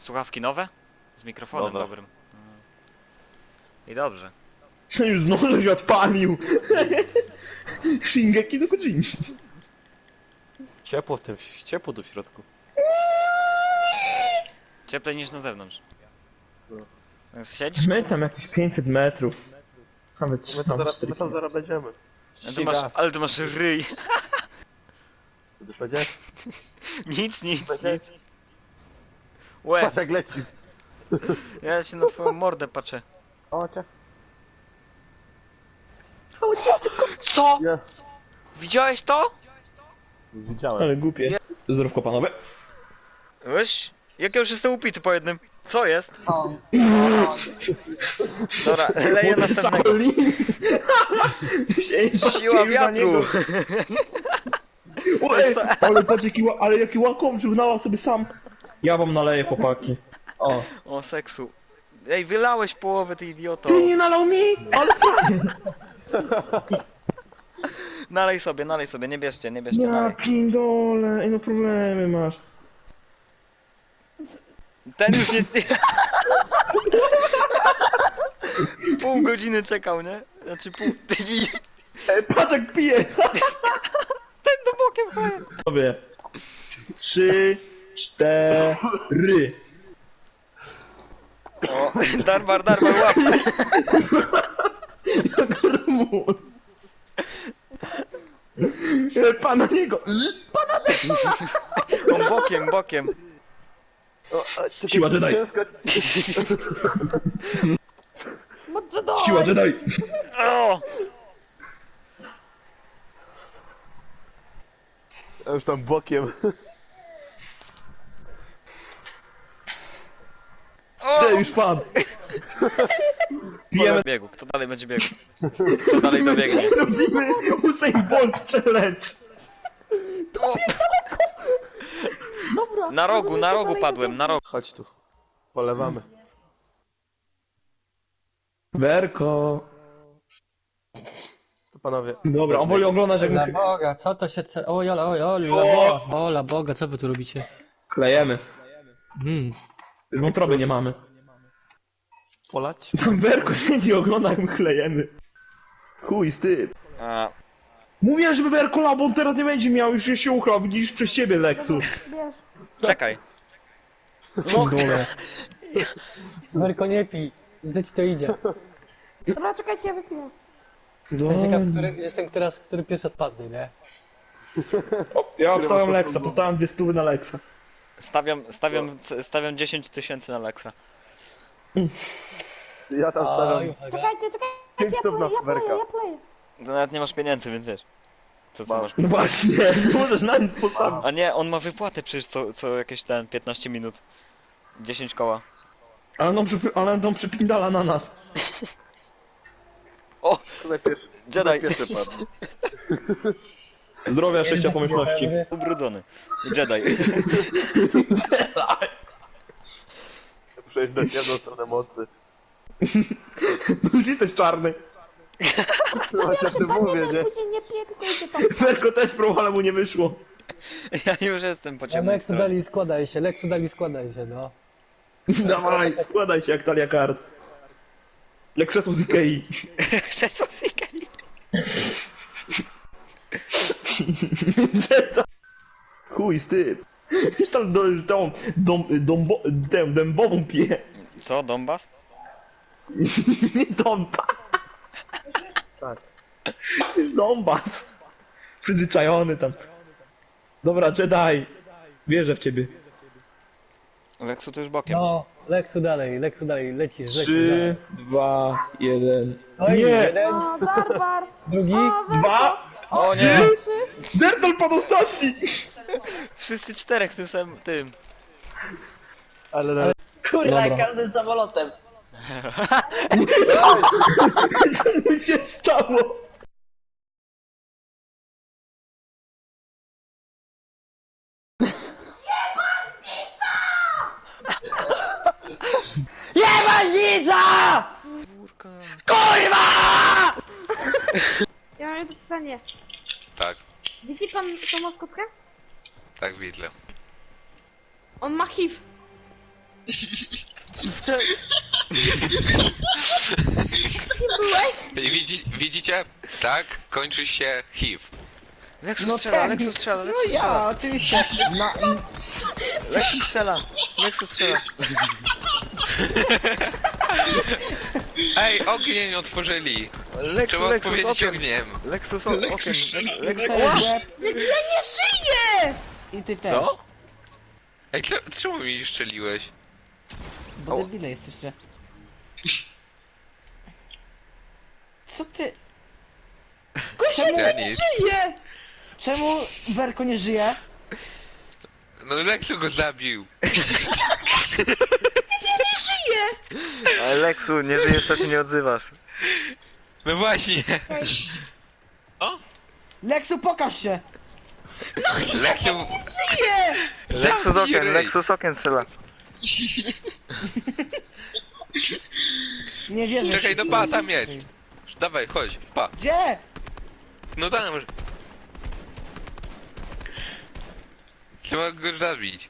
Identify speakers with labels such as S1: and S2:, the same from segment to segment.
S1: Słuchawki nowe? Z mikrofonem
S2: Nowe.
S1: dobrym. I dobrze.
S3: Już znowu coś odpalił. Shingeki no Kojin.
S2: Ciepło w tym, ciepło tu w środku.
S1: Cieplej niż na zewnątrz.
S2: No.
S1: Siedzisz?
S3: My tam jakieś 500 metrów. Nawet
S2: My tam zaraz będziemy.
S1: Ale ty masz ryj.
S2: Będzie?
S1: Nic.
S2: Będzie?
S1: Łe,
S2: Patrz jak lecisz.
S1: ja się na twoją mordę patrzę.
S2: O cię.
S1: Co?
S2: Nie.
S1: Widziałeś to?
S2: Widziałem.
S3: Ale głupie. Zdrówko panowie.
S1: Wiesz? Jak ja już jestem upity po jednym. Co jest? Dobra, leję następnego.
S3: Shaolin.
S1: Siła wiatru.
S3: Oj, ale jaki łakom przygnała sobie sam. Ja wam naleję, chłopaki. O.
S1: O seksu. Ej, wylałeś połowę, ty idioto.
S3: Ty nie nalał mi? Ale
S1: Nalej sobie, nie bierzcie,
S3: ja
S1: nalej.
S3: pindole. Ej, no problemy masz.
S1: Ten już nie... Pół godziny czekał, nie? Znaczy pół...
S3: Ej, patrz jak pije.
S1: Ten do bokiem chodzi.
S3: Sobie. 3, 4.
S1: O, darbar, łap.
S3: Pana niego.
S1: On bokiem.
S3: Siła Jedi. Siła Jedi.
S1: O!
S2: Ja już tam bokiem.
S1: O!
S3: Ty już pan. Pijemy.
S1: Biegu, kto dalej będzie biegł? Kto dalej dobiegnie?
S3: Robimy Usain Bolt Challenge.
S1: O!
S4: Dobra.
S1: Na rogu padłem, na rogu.
S2: Chodź tu. Polewamy.
S3: Werko.
S2: To panowie.
S3: Dobra, on woli oglądać jak
S5: Dla
S3: my
S5: Boga, co to się... Oj, ola Boga, co wy tu robicie?
S3: klejemy.
S5: Hmm.
S3: Z wątroby nie mamy.
S2: Polać?
S3: Tam Werko siedzi i ogląda jak my klejemy. Chuj z tym.
S1: A,
S3: Mówiłem, żeby Werko lał, bo on teraz nie będzie miał, już się uchrał, widzisz przez ciebie, Leksu.
S4: Bierz.
S1: czekaj.
S3: Dole.
S5: Werko, nie pij, gdy ci to idzie.
S4: Dobra, czekajcie, ja wypiję.
S5: Jestem który pierwszy odpadnie, nie?
S3: Ja obstawiam Leksa, postawiam 2 stówy na Leksa.
S1: Stawiam 10 000 na Lexa.
S2: Ja tam stawiam.
S4: Czekajcie,
S2: Pięć
S4: ja
S2: stów na Werka.
S4: pleję.
S1: To nawet nie masz pieniędzy, więc wiesz. Co
S2: Mam.
S1: masz?
S3: No właśnie, nie możesz na nic postawić.
S1: A nie, on ma wypłatę przecież co jakieś 15 minut. 10 koła.
S3: Ale on przypindala na nas.
S1: O!
S2: Najpierw.
S1: Jedi!
S2: Pierwszy padł.
S3: Zdrowia, szczęścia, pomyślności.
S1: Ubrudzony. Jedi.
S2: Przejść na jedną stronę mocy.
S3: No już jesteś czarny.
S2: No właśnie o tym mówię, nie?
S4: Później nie piję, tylko idzie tam.
S3: Werko też próbował, ale mu nie wyszło.
S1: Ja już jestem po ciemnej
S5: Leksu
S1: stronie.
S5: dali, składaj się, no.
S3: Dawaj, składaj się jak talia kart. Jak krzesło z Ikei.
S1: Krzesło z Ikei.
S3: Gdzie to? Chuj z tym. Już tam dębową pije.
S1: Co, Donbas?
S3: Nie Donba.
S2: Tak.
S3: Już Donbas. Przyzwyczajony tam. Dobra, Jedi. Wierzę w ciebie.
S1: Leksu to już bokiem.
S5: No, Leksu dalej, lecisz.
S3: 3, 2, 1.
S5: Oj,
S3: Nie!
S5: jeden,
S4: O, Darbar.
S5: drugi.
S4: O,
S3: 2,
S1: O
S3: 3.
S1: nie!
S4: 3.
S3: Dertol padł ostatni.
S1: Wszyscy 4 w tym samym tym.
S2: Ale
S5: Kurwa,
S6: Każdy samolotem.
S3: Co mu się stało?
S6: Jemaźnica!
S1: Kurka.
S6: Kurwa!
S4: Ja mam jedno pytanie.
S7: Tak,
S4: Widzi pan tą maskotkę?
S7: tak widzę.
S4: On ma HIV.
S7: Widzicie? Tak kończy się HIV.
S1: Lexus strzela, Lexus strzela,
S6: No
S1: Lexus
S6: ja,
S1: strzela.
S6: oczywiście.
S1: Lexus strzela, Lexus strzela.
S7: Ej, ogień otworzyli.
S1: Lexus,
S7: Trzeba
S1: Lexus,
S7: odpowiedzieć
S1: okiem.
S7: ogniem.
S1: Lexus, okiem. Lexus,
S4: Ja nie żyję!
S6: I ty też.
S1: co?
S7: Ej, czemu mi strzeliłeś?
S6: Bo debile jesteście. Co ty?
S7: Ja nic.
S4: Żyję!
S6: Czemu Werko nie żyje?
S7: No Lexu go zabił.
S4: Żyję!
S1: Ale Lexu, nie żyjesz, to się nie odzywasz.
S7: No właśnie.
S6: Leksu, pokaż się!
S7: Lexu...
S4: Żyję!
S1: Lexus
S7: Zabij
S1: okiem,
S7: ryj.
S1: Lexus okiem strzela.
S6: Nie wierzę.
S7: Czekaj, no pa, tam jest. Dawaj, chodź, pa.
S6: Gdzie?
S7: No tam. Trzeba go zabić.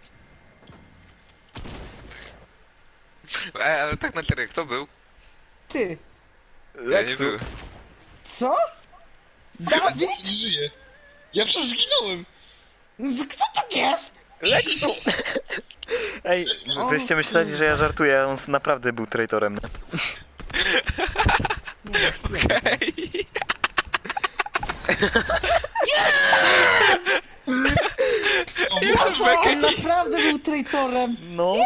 S7: Ale tak na serio, kto był?
S6: Ty.
S7: Ja nie
S1: Lexu,
S7: byłem.
S6: Co? Dawid?
S8: Nie żyje. Ja przecież zginąłem.
S6: Kto to jest?
S1: Lexu! Ej, wyście myśleli, że ja żartuję, a on naprawdę był traitorem.
S7: Okej.
S6: On naprawdę był traitorem.
S1: No.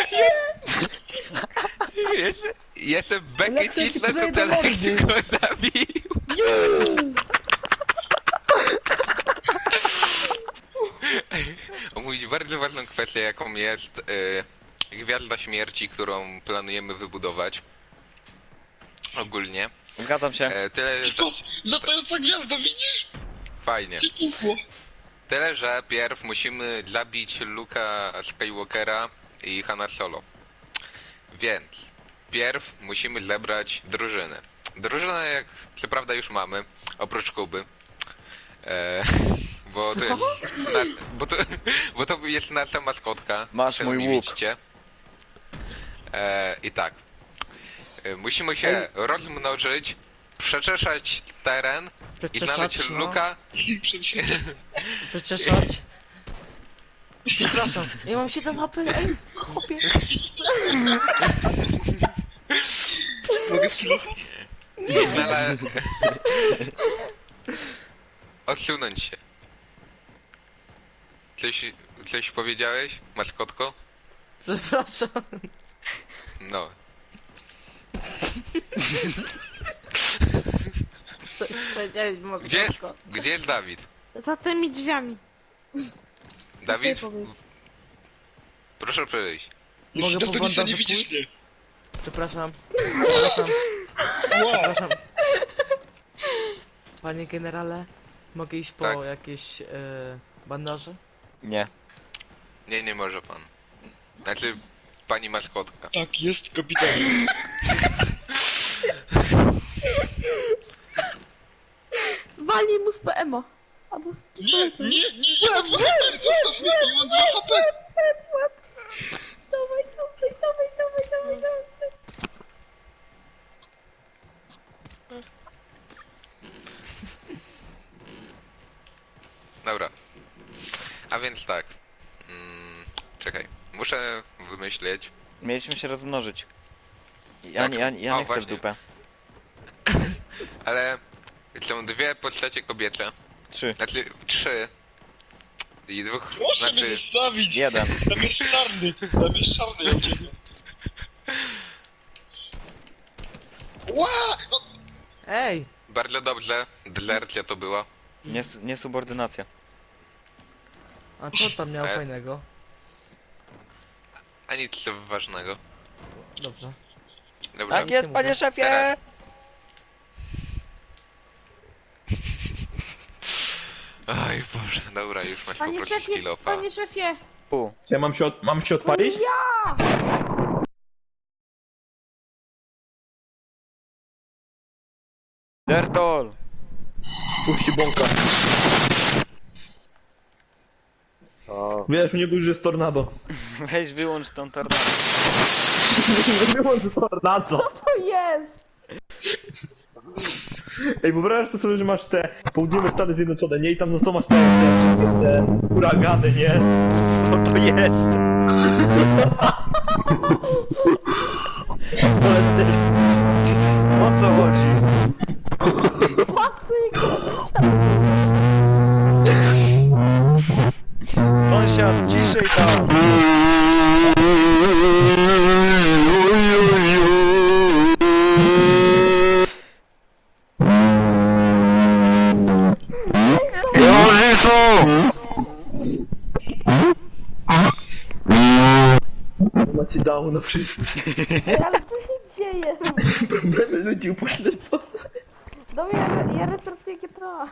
S7: Jestem bekę
S6: Lexu ci
S7: cisnę,
S6: kleje
S7: to
S6: do mordy.
S7: Lexu go zabił. Omówić bardzo ważną kwestię, jaką jest Gwiazda Śmierci, którą planujemy wybudować. Ogólnie.
S1: Zgadzam się.
S7: Tyle, że...
S8: Patrz, latająca gwiazda, widzisz?
S7: Fajnie.
S8: UFO.
S7: Tyle, że pierw musimy zabić Luka Skywalkera i Hanna Solo. Więc pierw musimy zebrać drużynę. Drużynę, jak co prawda już mamy, oprócz Kuby. Bo to jest bo to jest nasza maskotka.
S1: Masz
S7: czego
S1: mój
S7: nie
S1: łuk.
S7: widzicie. I tak. Musimy się rozmnożyć, przeczeszać teren i znaleźć
S6: Przeczeszać, no.
S7: Luka.
S8: Przecież
S6: Przeczeszać. Przepraszam, ja mam 7 HP, ej, chłopie.
S8: mogę wsłuchać?
S7: Odsunąć się. Coś powiedziałeś, maskotko?
S6: Przepraszam.
S7: No.
S6: Co powiedziałeś, maskotko?
S7: Gdzie jest Dawid?
S4: Za tymi drzwiami.
S7: Dawid?
S4: Sobie powiem.
S7: Proszę przyjść.
S6: Mogę
S8: Jeśli
S6: po
S8: to nic nie
S6: bandażu
S8: widzisz
S6: pójść?
S8: mnie.
S6: Przepraszam. Przepraszam.
S8: Wow.
S6: Przepraszam. Panie generale, mogę iść po
S7: Tak.
S6: jakieś bandaże?
S1: Nie.
S7: Nie może pan. Znaczy, pani maskotka.
S8: Tak, jest kapitanem.
S4: Walnij mu z PMO. Albo z
S8: Nie,
S4: pistoletem.
S8: nie, mam 2 HP, zostaw mnie, nie mam 2 HP.
S4: Dawaj, dawaj.
S7: Dobra. A więc tak. Czekaj. Muszę wymyśleć.
S1: Mieliśmy się rozmnożyć.
S7: Tak.
S1: Ja
S7: O,
S1: nie chcę w
S7: właśnie.
S1: dupę.
S7: Ale są dwie postacie kobiece.
S1: 3.
S7: Znaczy 3. I dwóch.
S8: Proszę mnie
S7: Znaczy.
S8: zostawić.
S1: 1.
S8: Tam jest czarny, ja uciekam. Ła! No,
S6: Ej!
S7: Bardzo dobrze. Dlercia to była.
S1: Niesubordynacja.
S6: A co tam miał
S7: E.
S6: fajnego?
S7: A nic ważnego.
S6: Dobrze.
S7: Dobra.
S1: Tak jest, panie szefie!
S7: Teraz. Oj Boże, dobra, już masz
S4: Panie
S7: poprosić
S4: szefie,
S7: kilofa.
S4: panie szefie.
S1: U.
S3: Ja mam się odpalić?
S1: Dertol!
S3: Puści bąka.
S2: O,
S3: Wiesz, u niego już jest tornado.
S1: Weź wyłącz tą tornadę.
S3: Wyłącz tornado.
S4: To jest!
S3: Ej, wyobrażasz to sobie, że masz te południowe Stany Zjednoczone, nie? I tam no co masz te wszystkie te huragany, nie?
S1: Co to jest?
S3: Ale ty...
S1: O co chodzi?
S4: Pasy,
S1: Sąsiad, ciszej tam!
S3: Macie dało na wszyscy.
S4: ale co się dzieje?
S3: Problemy ludzi upośledzonych.
S4: Dobra, ja restartuję GTA.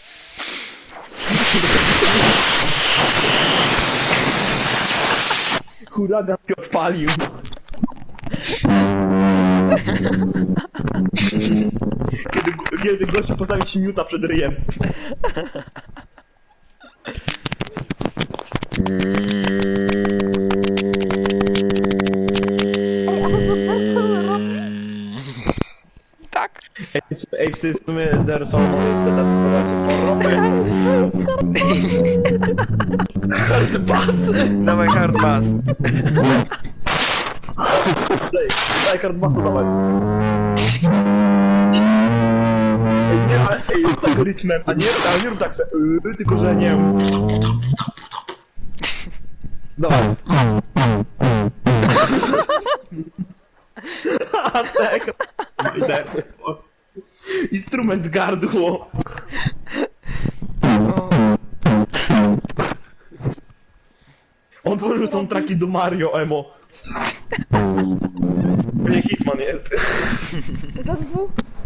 S3: Huragan się odpalił. Kiedy gościu postawił ci miuta przed ryjem.
S4: Ej, ale to Bertol robi?
S1: Tak.
S3: Ej, w sumie Derton może setupować hard bass.
S1: Dawaj hard bass.
S3: Daj hard bassu, dawaj. Ej, nie, ale ej, rób tak rytmem, a nie rób tak, tylko że nie wiem. Dawaj. A tak. Instrument gardło. On tworzył soundtracki do Mario, emo. Nie Hitman jest.
S4: Za dwóch